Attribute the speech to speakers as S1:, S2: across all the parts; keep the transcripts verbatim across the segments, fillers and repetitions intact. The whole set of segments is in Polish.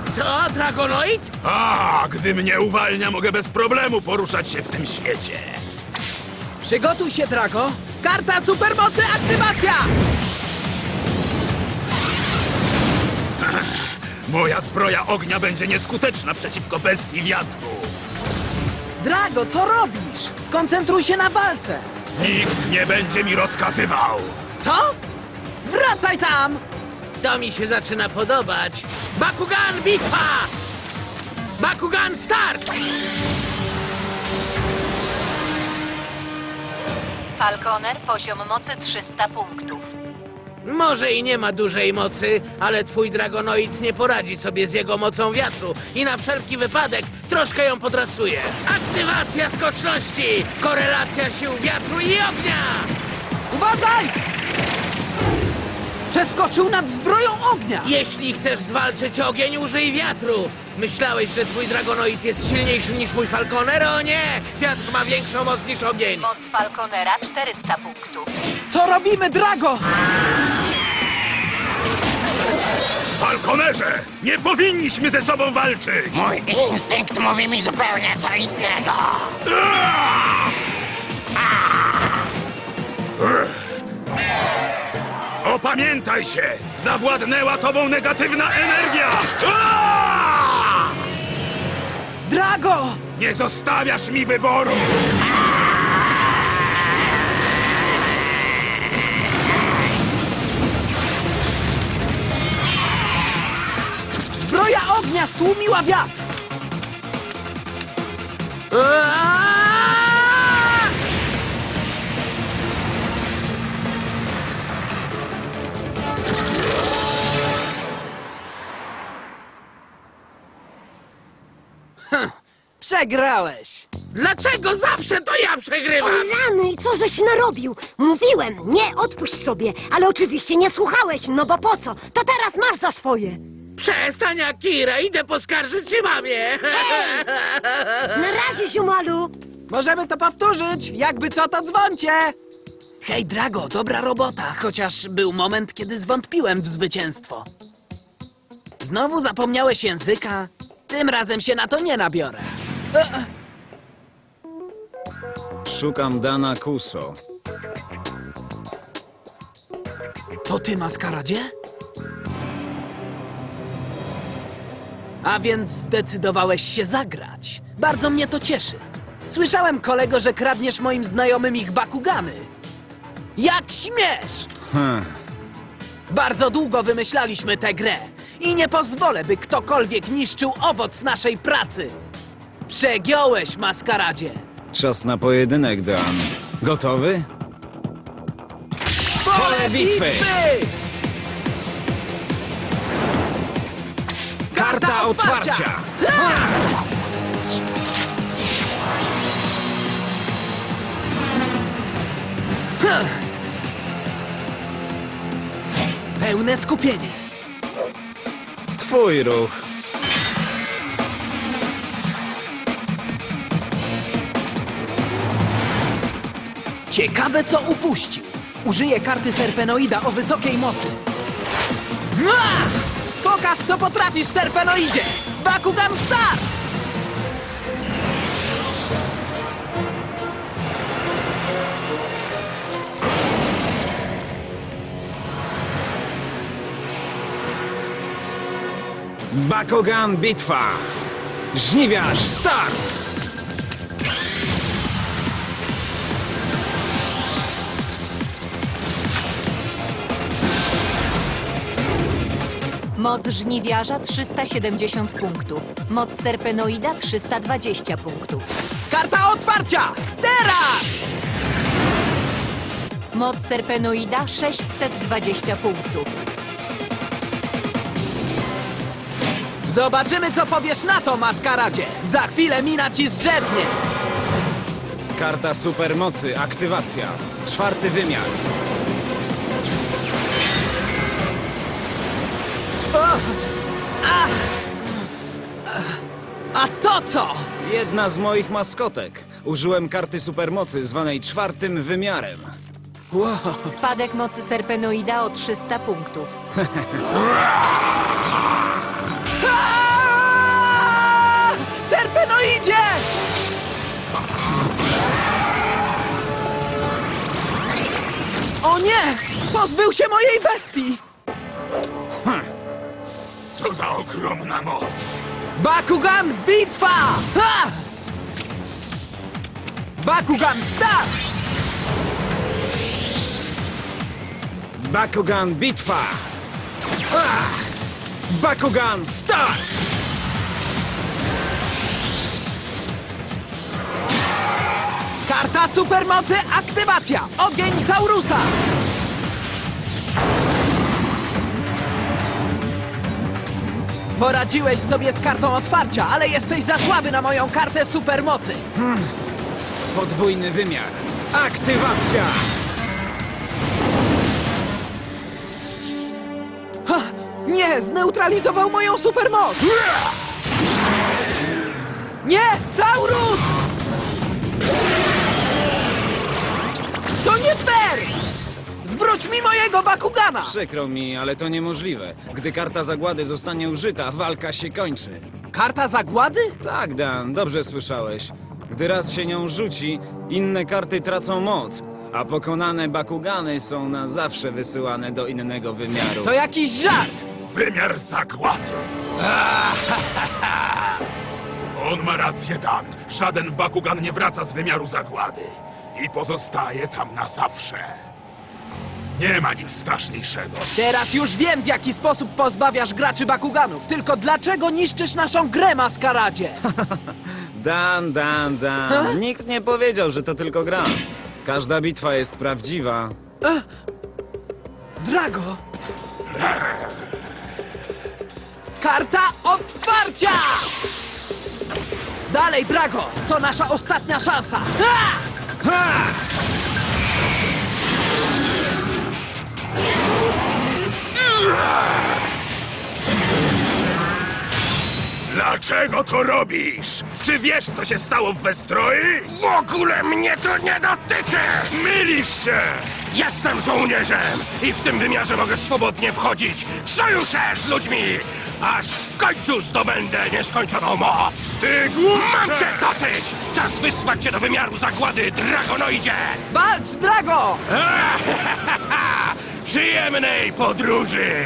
S1: Co, Dragonoid?
S2: A, gdy mnie uwalnia, mogę bez problemu poruszać się w tym świecie.
S3: Przygotuj się, Drago! Karta supermocy aktywacja!
S2: Moja zbroja ognia będzie nieskuteczna przeciwko bestii wiatru.
S3: Drago, co robisz? Skoncentruj się na walce!
S2: Nikt nie będzie mi rozkazywał.
S3: Co? Wracaj tam!
S1: To mi się zaczyna podobać. Bakugan bitwa! Bakugan start!
S4: Falconer, poziom mocy trzysta punktów.
S1: Może i nie ma dużej mocy, ale twój Dragonoid nie poradzi sobie z jego mocą wiatru i na wszelki wypadek troszkę ją podrasuje. Aktywacja skoczności! Korelacja sił wiatru i ognia!
S3: Uważaj! Przeskoczył nad zbroją ognia!
S1: Jeśli chcesz zwalczyć ogień, użyj wiatru! Myślałeś, że twój Dragonoid jest silniejszy niż mój Falconer? O nie! Wiatr ma większą moc niż ogień!
S4: Moc Falconera czterysta punktów.
S3: Co robimy, Drago?
S2: Falconerze, nie powinniśmy ze sobą walczyć!
S5: Mój instynkt mówi mi zupełnie co innego.
S2: Opamiętaj się! Zawładnęła tobą negatywna energia!
S3: Drago!
S2: Nie zostawiasz mi wyboru!
S3: Zbroja ognia stłumiła wiatr!
S1: Aaaa!
S3: Przegrałeś!
S1: Dlaczego zawsze to ja przegrywam?
S6: Rany, co żeś narobił? Mówiłem, nie odpuść sobie, ale oczywiście nie słuchałeś, no bo po co? To teraz masz za swoje.
S1: Przestań, Akira, idę poskarżyć się mamie.
S6: Na razie, ziomalu.
S3: Możemy to powtórzyć! Jakby co, to dzwońcie! Hej, Drago, dobra robota, chociaż był moment, kiedy zwątpiłem w zwycięstwo. Znowu zapomniałeś języka? Tym razem się na to nie nabiorę. E,
S7: Szukam Dana Kuso.
S3: To ty, Maskaradzie? A więc zdecydowałeś się zagrać. Bardzo mnie to cieszy. Słyszałem, kolego, że kradniesz moim znajomym ich Bakugany. Jak śmiesz!
S7: Hm.
S3: Bardzo długo wymyślaliśmy tę grę i nie pozwolę, by ktokolwiek niszczył owoc naszej pracy. Przegiąłeś, Maskaradzie.
S7: Czas na pojedynek, Dan. Gotowy?
S3: Pole
S7: bitwy! Karta otwarcia!
S3: Pełne skupienie.
S7: Twój ruch.
S3: Ciekawe, co upuścił. Użyję karty Serpenoida o wysokiej mocy. Mua! Pokaż, co potrafisz, Serpenoidzie! Bakugan start!
S7: Bakugan bitwa! Żniwiarz start!
S4: Moc żniwiarza trzysta siedemdziesiąt punktów. Moc serpenoida trzysta dwadzieścia punktów.
S3: Karta otwarcia! Teraz!
S4: Moc serpenoida sześćset dwadzieścia punktów.
S3: Zobaczymy, co powiesz na to, Maskaradzie! Za chwilę mina ci zrzednie!
S7: Karta supermocy, aktywacja. Czwarty wymiar.
S3: O! A! A to co?
S7: Jedna z moich maskotek. Użyłem karty supermocy zwanej czwartym wymiarem.
S3: Wow.
S4: Spadek mocy serpenoida o trzysta punktów.
S3: A! Pozbył się mojej bestii!
S2: Co za ogromna moc!
S3: Bakugan bitwa! Ha! Bakugan start!
S7: Bakugan bitwa! Ah! Bakugan start!
S3: Karta supermocy aktywacja! Ogień Saurusa! Poradziłeś sobie z kartą otwarcia, ale jesteś za słaby na moją kartę supermocy!
S7: Podwójny wymiar. Aktywacja!
S3: Ha! Nie! Zneutralizował moją supermoc! Nie! Saurus! To nie fair! Zwróć mi mojego Bakugana!
S7: Przykro mi, ale to niemożliwe. Gdy karta zagłady zostanie użyta, walka się kończy.
S3: Karta zagłady?
S7: Tak, Dan, dobrze słyszałeś. Gdy raz się nią rzuci, inne karty tracą moc, a pokonane Bakugany są na zawsze wysyłane do innego wymiaru.
S3: To jakiś żart!
S2: Wymiar zagłady! On ma rację, Dan. Żaden Bakugan nie wraca z wymiaru zagłady. I pozostaje tam na zawsze. Nie ma nic straszniejszego.
S3: Teraz już wiem, w jaki sposób pozbawiasz graczy Bakuganów. Tylko dlaczego niszczysz naszą grę, Maskaradzie?
S7: Dan, Dan, Dan.
S3: A?
S7: Nikt nie powiedział, że to tylko gra. Każda bitwa jest prawdziwa.
S3: Drago! Karta otwarcia! Dalej, Drago! To nasza ostatnia szansa! Ha!
S7: Ha!
S2: Dlaczego to robisz? Czy wiesz, co się stało w Westroi?
S5: W ogóle mnie to nie dotyczy!
S2: Mylisz się!
S5: Jestem żołnierzem i w tym wymiarze mogę swobodnie wchodzić w sojusze z ludźmi, aż w końcu zdobędę nieskończoną moc!
S2: Ty
S5: Mam
S2: głupcze!
S5: cię dosyć! Czas wysłać cię do wymiaru zagłady, Dragonoidzie!
S3: Walcz, Drago!
S5: Przyjemnej podróży!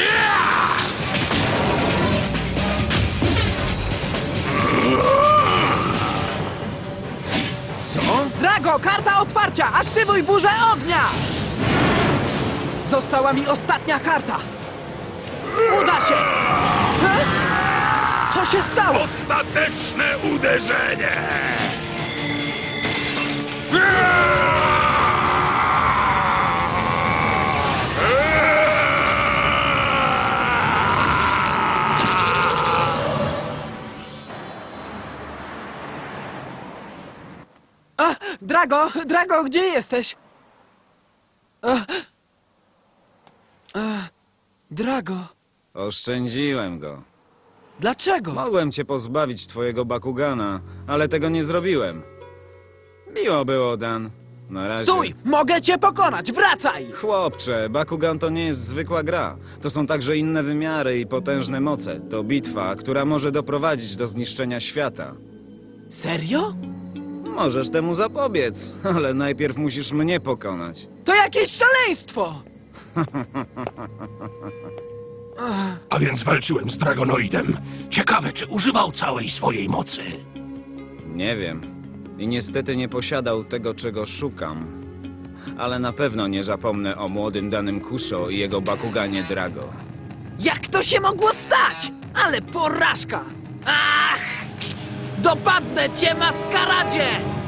S7: Co?
S3: Drago, karta otwarcia! Aktywuj burzę ognia! Została mi ostatnia karta. Uda się! Ha? Co się stało?
S2: Ostateczne uderzenie!
S3: A, Drago, Drago, gdzie jesteś? A, a, Drago,
S7: Oszczędziłem go.
S3: dlaczego?
S7: Mogłem cię pozbawić twojego Bakugana, ale tego nie zrobiłem. Miło było, Dan. Na razie.
S3: Stój! Mogę cię pokonać! Wracaj!
S7: Chłopcze, Bakugan to nie jest zwykła gra. To są także inne wymiary i potężne moce. To bitwa, która może doprowadzić do zniszczenia świata.
S3: Serio?
S7: Możesz temu zapobiec, ale najpierw musisz mnie pokonać.
S3: To jakieś szaleństwo!
S5: A więc walczyłem z Dragonoidem. Ciekawe, czy używał całej swojej mocy.
S7: Nie wiem. I niestety nie posiadał tego, czego szukam. Ale na pewno nie zapomnę o młodym danym Kusho i jego Bakuganie Drago.
S3: Jak to się mogło stać? Ale porażka! Ach! Dopadnę cię, Maskaradzie!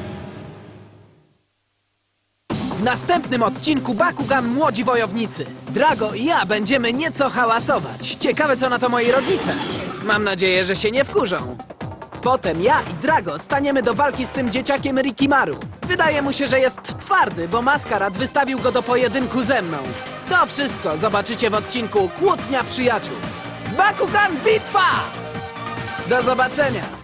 S3: W następnym odcinku Bakugan Młodzi Wojownicy. Drago i ja będziemy nieco hałasować. Ciekawe, co na to moi rodzice. Mam nadzieję, że się nie wkurzą. Potem ja i Drago staniemy do walki z tym dzieciakiem Rikimaru. Wydaje mu się, że jest twardy, bo Maskarad wystawił go do pojedynku ze mną. To wszystko zobaczycie w odcinku Kłótnia Przyjaciół. Bakugan Bitwa! Do zobaczenia!